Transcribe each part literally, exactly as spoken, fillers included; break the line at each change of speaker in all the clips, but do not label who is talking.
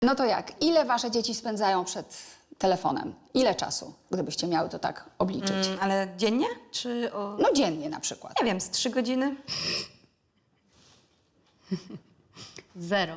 No to jak? Ile wasze dzieci spędzają przed telefonem? Ile czasu, gdybyście miały to tak obliczyć?
Mm, ale dziennie? Czy o...
No dziennie na przykład.
Nie wiem, z trzy godziny?
Zero.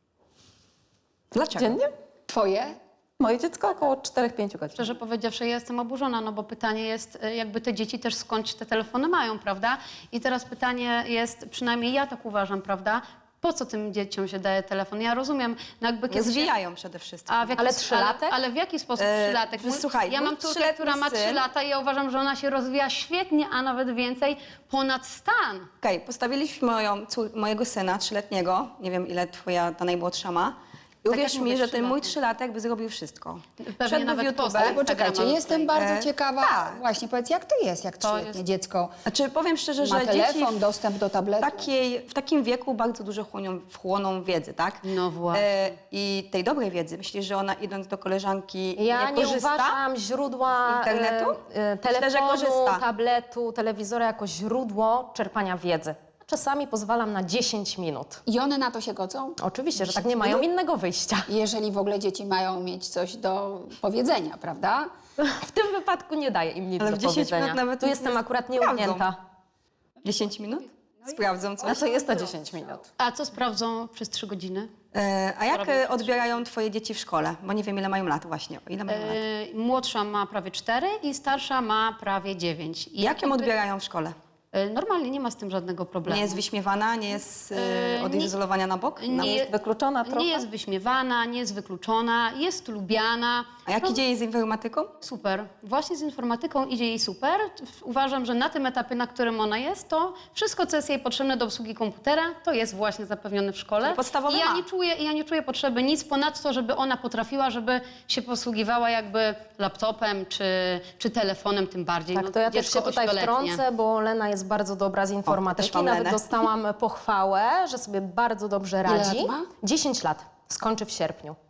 Dlaczego?
Dziennie?
Twoje?
Moje dziecko około czterech pięciu godzin.
Szczerze powiedziawszy, ja jestem oburzona, no bo pytanie jest, y, jakby te dzieci też skądś te telefony mają, prawda? I teraz pytanie jest, przynajmniej ja tak uważam, prawda? Po co tym dzieciom się daje telefon? Ja rozumiem, no jakby
Nie
kiedy się...
zwijają przede wszystkim.
A w jaki
Ale
sposób-
trzylatek?
Ale, ale w jaki sposób
E,
trzylatek? Mój-
słuchaj,
ja
mój
mam córkę,
trzyletni
która ma trzy
syn-
lata i ja uważam, że ona się rozwija świetnie, a nawet więcej, ponad stan.
Okej, postawiliśmy moją, cór- mojego syna trzyletniego, nie wiem ile twoja ta najmłodsza ma. I uwierz
jak
mi,
mówię,
że ten mój
trzylatki.
trzylatek by zrobił wszystko.
Pewnie
Wszedłby
nawet
w YouTube.
posta
Ale poczekajcie,
Instagrama
jestem
tutaj.
bardzo
E,
ciekawa.
tak.
Właśnie, powiedz, jak to jest, jak
To
trzyletnie
jest-
dziecko
Znaczy, powiem szczerze,
ma
że dzieci
telefon,
w,
dostęp do tabletu?
takiej, w takim wieku bardzo dużo chłonią, wchłoną wiedzy, tak?
No właśnie.
E, I tej dobrej wiedzy. Myślisz, że ona idąc do koleżanki
Ja
nie
nie
korzysta?
uważam źródła
z internetu?
e, e,
Myślę, że
telefonu,
korzysta.
tabletu, telewizora jako źródło czerpania wiedzy. Czasami pozwalam na dziesięć minut.
I one na to się godzą?
Oczywiście, że tak nie mają innego wyjścia.
Jeżeli w ogóle dzieci mają mieć coś do powiedzenia, prawda?
W tym wypadku nie daję im nic
Ale
do
w dziesięć
powiedzenia.
minut nawet
Tu
nic
jestem
nie
akurat
sprawdzą.
nieugnięta.
dziesięć minut? Sprawdzą coś.
Znaczy jest to dziesięć minut.
A co sprawdzą przez trzy godziny?
E, a jak
robią
e, odbierają twoje dzieci w szkole? Bo nie wiem, ile mają lat właśnie. O ile mają lat?
E, młodsza ma prawie cztery i starsza ma prawie dziewięć. I
Jak ją
jakby-
odbierają w szkole?
E, Normalnie, nie ma z tym żadnego problemu.
Nie jest wyśmiewana, nie jest e,
E,
odizolowania na bok? Na...
nie-
Jest wykluczona trochę?
Nie jest wyśmiewana, nie jest wykluczona, jest lubiana.
A jak
No,
idzie jej z informatyką?
Super. Właśnie z informatyką idzie jej super. Uważam, że na tym etapie, na którym ona jest, to wszystko, co jest jej potrzebne do obsługi komputera, to jest właśnie zapewnione w szkole.
Czyli podstawowe
I ja
ma.
nie czuję, ja nie czuję potrzeby nic ponadto, żeby ona potrafiła, żeby się posługiwała jakby laptopem czy, czy telefonem tym bardziej.
Tak,
No,
to ja też
dziecko
się tutaj
ośmioletnie.
wtrącę, bo Lena jest bardzo dobra z
też
informatyki.
mam
Nawet
Lenę.
dostałam pochwałę, że sobie bardzo dobrze radzi.
lat ma?
dziesięć lat. Skończy w sierpniu.